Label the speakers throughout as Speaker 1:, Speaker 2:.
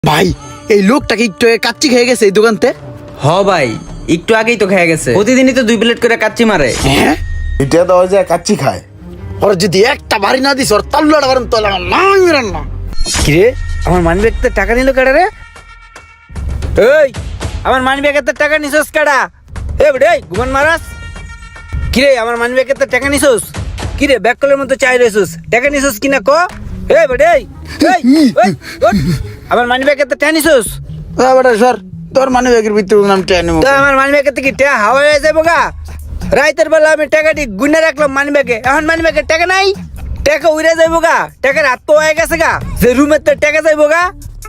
Speaker 1: ভাই এই লোকটা কি একটু কাচ্চি খেয়ে গেছে এই দোকানতে?
Speaker 2: হ ভাই, একটু আগেই তো খেয়ে গেছে। প্রতিদিনই তো 2 প্লেট করে কাচ্চি মারে।
Speaker 1: হ্যাঁ,
Speaker 3: এটা দেওয়া যায় কাচ্চি খায়।
Speaker 1: ওর যদি একটা বাড়ি না দিস ওর তাল্লুটা বারেন তো না মেরান না।
Speaker 2: কিরে, আমার মানি ব্যাগতে টাকা নিল কেডা রে? এই, আমার মানি ব্যাগেতে টাকা নিছস কেডা? এ বেডে ঘুমান মারাস। কিরে, আমার মানি ব্যাগেতে টাকা নিছস? কিরে, ব্যাগ কলের মতো চাই রইছস, টাকা নিছস কিনা ক? এ বেডে এই ওঠ। আমার মানি ব্যাগেতে টাকা নিছস?
Speaker 1: বেটা স্যার, তোর মানে ব্যাগের ভিতরে নাম টেনে
Speaker 2: তো আমার মানি ব্যাগেতে কি টাকা হাওয়া হয়ে যাবো গা? রাইতের বেলা আমি টাকাটি গুনে রাখলাম মানি ব্যাগে, এখন মানি ব্যাগে টাকা নাই, টাকা উড়ে যাইবো গা, টাকার হাত তো হয়ে গেছে গা, যে রুমের তো টাকা যাইবো গা।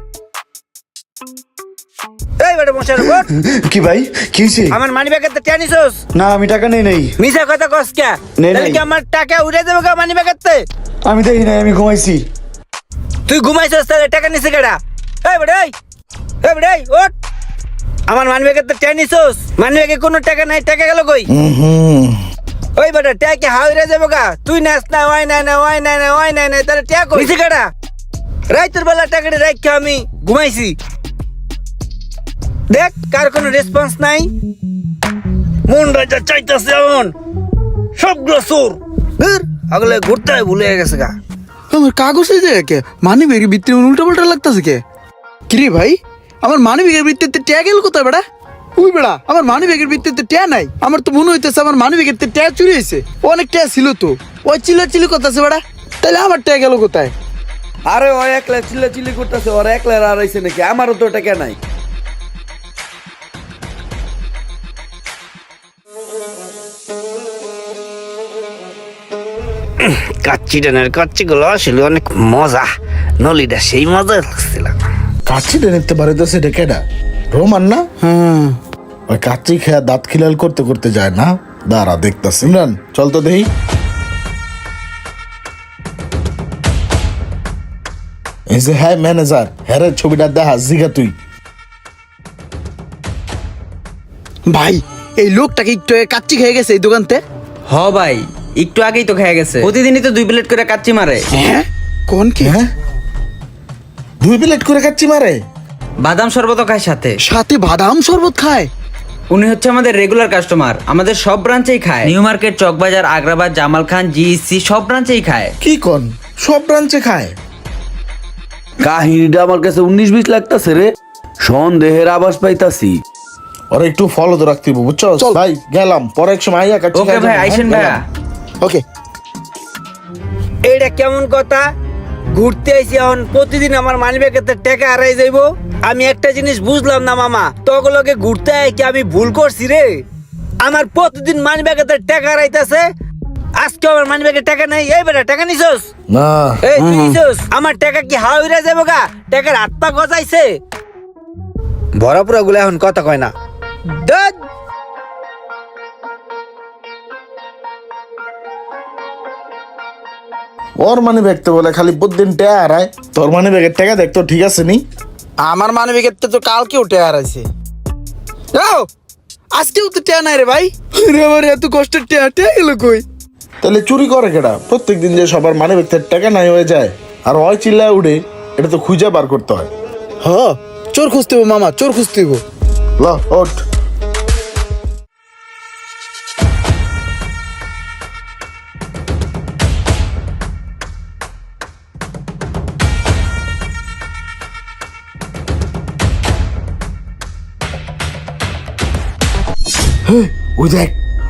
Speaker 2: এই বেটা মশার উপর
Speaker 3: কি ভাই কি হয়েছে?
Speaker 2: আমার মানি ব্যাগে তো টাকা নিছস?
Speaker 3: না আমি টাকা নেই নাই।
Speaker 2: মিছা কথা কস কে?
Speaker 3: নেই,
Speaker 2: তাহলে
Speaker 3: নেই।
Speaker 2: কি আমার টাকা উড়ে যাবো গা মানি ব্যাগেতে?
Speaker 3: আমি দেখি নাই, আমি ঘুমাইছি।
Speaker 2: তুই ঘুমাইছস তাহলে টাকা নিছে কেডা? এই বেটা এই বেটা এই ওঠ। আমার মানি ব্যাগে তো টাকা নিছস? মানি ব্যাগে কোনো টাকা নাই, টাকা গেল কই? ওই বেটা ট্যাগ কি হাওড়ে যাবো গা? তুই নাচ না, ওই নাই না, ওই নাই না, ওই নাই না, তাহলে ট্যাগ কইছি কাটা? রাইতের বেলা টাকাটা রাখকে আমি ঘুমাইছি। দেখ কার কোনো রেসপন্স নাই। মন রাজা চাইতাছে এমন সবগুলো চোর আগলে ঘুরতে হয় ভুলে গেছে গা।
Speaker 1: আমার কাগজ এই যে কে মানি ব্যাগের ভিতরে উল্টা পাল্টা লাগতেছে কে? কিরে ভাই, আমার মানি ব্যাগের ভিতরে ট্যাগ এলো কোথায় বেটা? ওই বেড়া, আমার মানি ব্যাগের ভিতরে ট্যা নাই। আমার তো মনে হইতেছে আমার মানি ব্যাগের ট্যা চুরি হয়েছে। অনেক ট্যা ছিল তো, ওই চিল্লা কথা আছে বেড়া। তাহলে আমার ট্যা গেল কোথায়?
Speaker 4: আরে ও একলা চিল্লাচিল্লি করতেছে, ওর একলা আর আইছে নাকি? আমারও তো টাকা নাই।
Speaker 2: কাচ্চি ডানের কাচ্চি গুলো আসলে অনেক মজা, নলিটা সেই মজা লাগছিল।
Speaker 3: কাচ্চি দেখতে পারে তো সেটা কেডা? রোমান না?
Speaker 1: হ্যাঁ,
Speaker 3: ওই কাচ্চি খেয়া দাঁত খিলাল করতে করতে যায় না। দাঁড়া দেখতাছি। ইমরান চল তো দেখি। এই যে হ্যাঁ ম্যানেজার, হ্যাঁ রে, ছবিটা দেখা জিগা তুই।
Speaker 1: ভাই এই লোকটা কি একটু কাচ্চি খেয়ে গেছে এই দোকানতে?
Speaker 2: হ ভাই, একটু আগেই তো খেয়ে গেছে। প্রতিদিনই তো 2 প্লেট করে কাচ্চি মারে।
Speaker 1: হ্যাঁ, কোন কি?
Speaker 3: হ্যাঁ 2 প্লেট করে কাচ্চি মারে?
Speaker 2: বাদাম শরবত খায় সাথে।
Speaker 1: সাথে বাদাম শরবত খায়?
Speaker 2: উনি হচ্ছে আমাদের রেগুলার কাস্টমার, আমাদের সব ব্রাঞ্চেই খায়। New Market, Chawkbazar, Agrabad, Jamal Khan, GEC সব ব্রাঞ্চেই খায়।
Speaker 3: কি কোন? সব ব্রাঞ্চে খায়?
Speaker 4: কাহিনীটা আমার কাছে 19-20 লাগতাছে রে, সন্দেহের আভাস পাইতাছি।
Speaker 3: ওরা একটু ফলো তো রাখতে হবে, বুঝছো?
Speaker 1: চল।
Speaker 3: ভাই গেলাম, পরে এক সময় আইয়া কাচ্চি
Speaker 2: ওকে
Speaker 3: খাই
Speaker 2: ভাই,
Speaker 3: যাবো।
Speaker 2: আইসেন
Speaker 3: হ্যাঁ,
Speaker 2: ভাইয়া।
Speaker 3: গেলাম।
Speaker 1: ওকে।
Speaker 2: এইটা কেমন কথা? ঘুরতে আইছি, এখন প্রতিদিন আমার মানি ব্যাগেতে টাকা হারাই যাইবো। আমি একটা জিনিস বুঝলাম না মামা, তগলকে ঘুরতে আই কি আমি ভুল করছি রে? আমার প্রতিদিন মানি ব্যাগেতে টাকা হারাইতাছে, আজকে আমার মানি ব্যাগে টাকা নাই। এই বেটা টাকা নিছস?
Speaker 3: না
Speaker 2: এই তুই নিছস? আমার টাকা কি হাওড়ে যাবো গা? টাকার হাত পা গজাইছে। ভরাপুরা গুলো এখন কথা কয় না। ধ্যাৎ।
Speaker 3: ওর মানে ব্যাগ তো বলে খালি প্রতিদিন ট্যা হারায়। তোর মানে ব্যাগের টাকা দেখতো ঠিক আছে নি?
Speaker 1: আমার মানি ব্যাগের তো কালকে উঠে হারাইছে। আজকেও তো ট্যা নাই রে ভাই। রে আমার এত কষ্টের ট্যা গেল কই?
Speaker 3: তাহলে চুরি করে কেডা? প্রত্যেকদিন যে সবার মানে ব্যাগের টাকা নাই হয়ে যায় আর ওই চিল্লায় উঠে, এটা তো খুঁজে বার করতে হয়।
Speaker 1: হ, চোর খুঁজতে হবো মামা, চোর খুঁজতে হবো।
Speaker 3: ল ওঠ। হেই, ওই দেখ।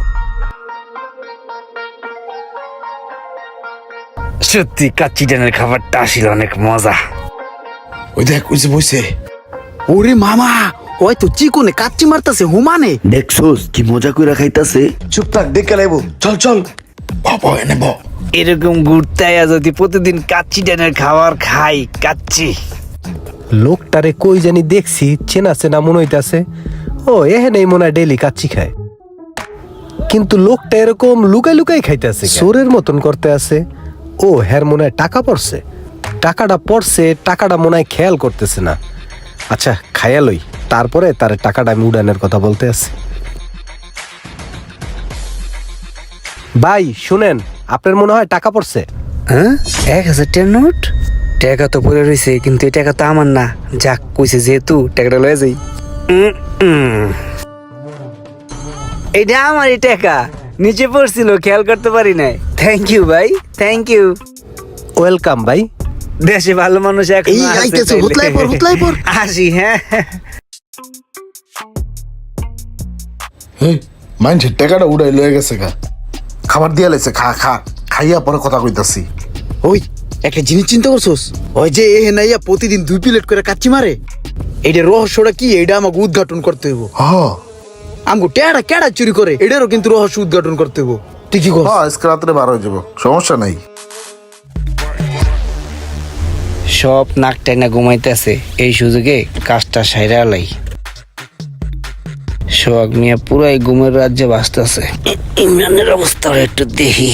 Speaker 2: সত্যি কাচ্চি ডানের খাবারটা আসলে অনেক মজা।
Speaker 3: ওই দেখ, ওই যে বসে।
Speaker 1: ওরে মামা, ওই তো চিকনে কাচ্চি মারতাছে হুমানে।
Speaker 4: দেখছোস কি মজা কইরা খাইতাছে?
Speaker 3: চুপ থাক, দেখে লাইব। চল চল, বাবা এনে ব।
Speaker 2: এরকম ঘুরতে আয়া যদি প্রতিদিন কাচ্চি ডানের খাবার খাই, কাচ্চি।
Speaker 5: লোকটারে কই জানি দেখছি, চেনা চেনা মনে হইতাছে। ও এহেনেই মনে হয় ডেইলি কাচ্চি খায়, কিন্তু লোকটা এরকম লুকাই লুকাই খাইতেছে, চোরের মতন করতে আছে। ও হ্যার মনে হয় টাকা পড়ছে, টাকাটা মনে হয় খেয়াল করতেছে না। আচ্ছা খাইয়া লই, তারপরে তার টাকাটা আমি উড়ানের কথা বলতে আছি। ভাই শুনেন, আপনার মনে হয় টাকা পড়ছে?
Speaker 2: হ্যাঁ, 1000 টাকার নোট? টাকা তো পড়ে রয়েছে, কিন্তু এই টাকা তো আমার না। যাক, কইছে যেহেতু টাকাটা লয়ে যাই। এটা আমারই টাকা, নিচে পড়ছিল, খেয়াল করতে পারি নাই। থ্যাংক ইউ ভাই, থ্যাংক ইউ।
Speaker 5: ওয়েলকাম ভাই।
Speaker 2: দেশে ভালো মানুষ এখন
Speaker 1: এই আইতেছে, হুতলাই পর।
Speaker 2: আসি, হ্যাঁ।
Speaker 3: এই মানুষের টাকাটা উড়াই লয়ে গেছে গা, খাবার দিয়া লাইছে, খা খা, খাইয়া পরে কথা কইতাছি।
Speaker 1: ওই একটা জিনিস চিন্তা করছোস? ওই যে এ নাইয়া প্রতিদিন 2 প্লেট করে কাচ্চি মারে, এইটা রহস্যটা কি এইটা আমাকে উদ্ঘাটন করতে হইব। আমগো টেড়া কেডা চুরি করে এটারও কিন্তু রহস্য উদ্ঘাটন করতে হইব। তুই কি কর?
Speaker 3: আজকে রাত্রে বার হয়ে যাবো, সমস্যা নাই।
Speaker 2: সব নাক টাইনা ঘুমাইতেছে, এই সুযোগে কাজটা সাইরা লাই। সোহাগ মিয়া পুরাই ঘুমের রাজ্যে বাঁচতেছে। ইমরানের অবস্থা একটু দেখি।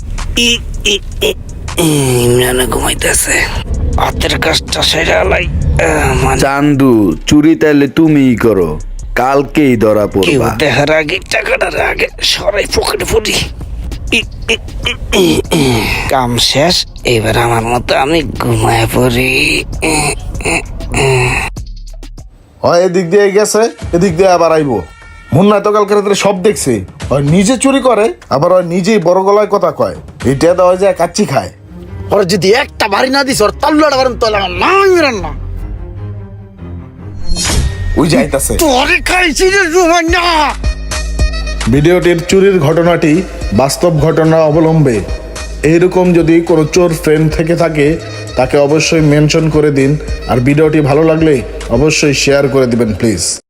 Speaker 2: ইমরানে ঘুমাইতেছে, হাতের কাজটা সাইরা লাই।
Speaker 4: চান্দু, চুরি তাইলে তুমিই করো, কালকেই ধরা
Speaker 2: কেউ
Speaker 4: পড়বা।
Speaker 2: দেখার আগে টাকাটার আগে সরাই পকেটে পড়ি। কাম শেষ, এবার আমার মতো আমি ঘুমায় পড়ি।
Speaker 3: হয় এদিক দিয়ে গেছে, এদিক দিয়ে আবার আইবো। মুন্না তো কালকে রাত্রে সব দেখছে, হয় নিজে চুরি করে, আবার হয় নিজেই বড় গলায় কথা কয়। এটা দেওয়া যায় কাচ্চি খায়।
Speaker 1: ওরা যদি একটা বাড়ি না দিস ওর তাল্লাটা বারণ তোলা না ইমরান না।
Speaker 3: ওই যাইতাছে।
Speaker 1: তোরে খাইছি রে রুমান না।
Speaker 3: ভিডিওটির চুরির ঘটনাটি বাস্তব ঘটনা অবলম্বে। এইরকম যদি কোনো চোর ফ্রেন্ড থেকে থাকে তাকে অবশ্যই মেনশন করে দিন, আর ভিডিওটি ভালো লাগলে অবশ্যই শেয়ার করে দিবেন প্লিজ।